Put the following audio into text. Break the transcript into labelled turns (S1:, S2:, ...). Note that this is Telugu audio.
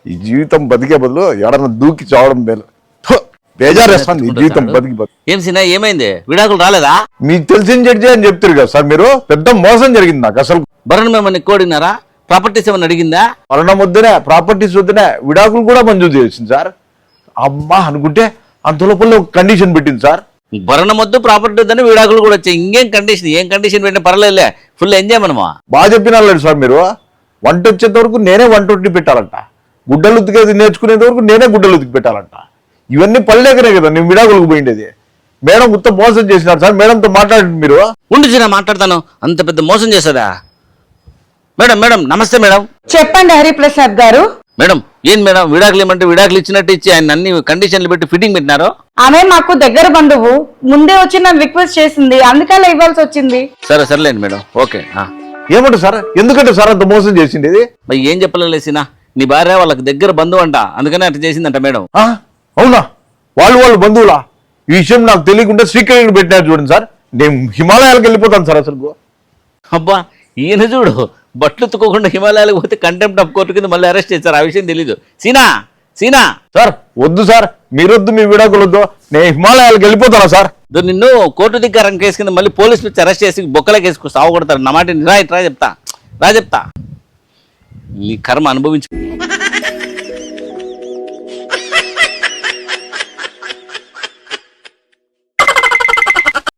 S1: ఈ జీవితం బతికే బదులు ఎవడన్నా దూకి చావడం మేలు. బేజారేస్తుంది ఈ జీవితం బతికి.
S2: ఏం సినా ఏమైంది? విడాకులు రాలేదా?
S1: మీకు తెలిసిన జడ్జి అని చెప్తారు కదా సార్ మీరు. పెద్ద మోసం జరిగింది నాకు అసలు.
S2: భరణం ఏమన్నా కోడినారా? ప్రాపర్టీస్ ఏమన్నా అడిగిందా?
S1: మరణం వద్దునే, ప్రాపర్టీస్ వద్దునే, విడాకులు కూడా మంజూరు చేసింది సార్. అమ్మా అనుకుంటే అంత లోపల ఒక కండిషన్ పెట్టింది సార్.
S2: భరణం వద్దు, ప్రాపర్టీ వద్దని విడాకులు కూడా వచ్చాయి. ఇంకేం కండిషన్? ఏం కండిషన్ పెట్టినా పర్లేదులే, ఫుల్ ఎంజాయ్ మనమా.
S1: బాగా చెప్పినా సార్ మీరు. వంట వచ్చేంత వరకు నేనే వంట వండి పెట్టాలంట, గుడ్డలు ఉతికేది నేర్చుకునేంత వరకు నేనే గుడ్డలు ఉతికి పెట్టాలంట. ఇవన్నీ పల్లెకనే కదా నేను విడాకులకు పోయిండేది. మేడం మొత్తం మోసం చేసినారు సార్. మేడంతో మాట్లాడండి మీరు.
S2: ఉండు చిన్న మాట్లాడతాను. అంత పెద్ద మోసం చేస్తుందా? మేడం మేడం నమస్తే మేడం.
S3: చెప్పండి హరిప్రసాద్ గారు.
S2: మేడం ఏం మేడం, విడాకులు ఏమంటే విడాకులు ఇచ్చినట్టు ఇచ్చి ఆయన అన్ని కండిషన్లు పెట్టి ఫిట్టింగ్ పెట్టినారు.
S3: ఆమె మాకు దగ్గర బంధువు, ముందే వచ్చి నన్ను రిక్వెస్ట్ చేసింది, అందుకలా ఇవ్వాల్సి వచ్చింది.
S2: సరే సర్లేండి మేడం, ఓకే.
S1: ఏమంటారు సార్? ఎందుకంటే సార్ అంత మోసం చేసింది ఇది?
S2: మరి ఏం చెప్పలేసినా, నీ భార్య వాళ్ళకి దగ్గర బంధువు అంట, అందుకనే అట్లా చేసిందంట మేడం.
S1: అవునా? వాళ్ళు బంధువులా? ఈ విషయం నాకు తెలియకుండా శ్రీకృష్ణుడు పెట్టినారు చూడండి సార్. నేను హిమాలయాలకు వెళ్ళిపోతాను సార్ అసలు.
S2: అబ్బా ఈయన చూడు, బట్టలు ఉతుకోకుండా హిమాలయాలకు పోతే కంటెంప్ట్ ఆఫ్ కోర్టు కింద మళ్ళీ అరెస్ట్ చేశారు. ఆ విషయం తెలీదు. సీనా సీనా
S1: సార్ వద్దు సార్, మీరొద్దు, మీ విడాకులు వద్దు, నేను హిమాలయాలకు వెళ్ళిపోతానా సార్?
S2: నిన్ను కోర్టు ధిక్కారం కేసు కింద మళ్ళీ పోలీసులు వచ్చి అరెస్ట్ చేసి బొక్కలకి వేసుకు సాగు కొడతారు. నా మాట రా చెప్తా నీ కర్మ అనుభవించు.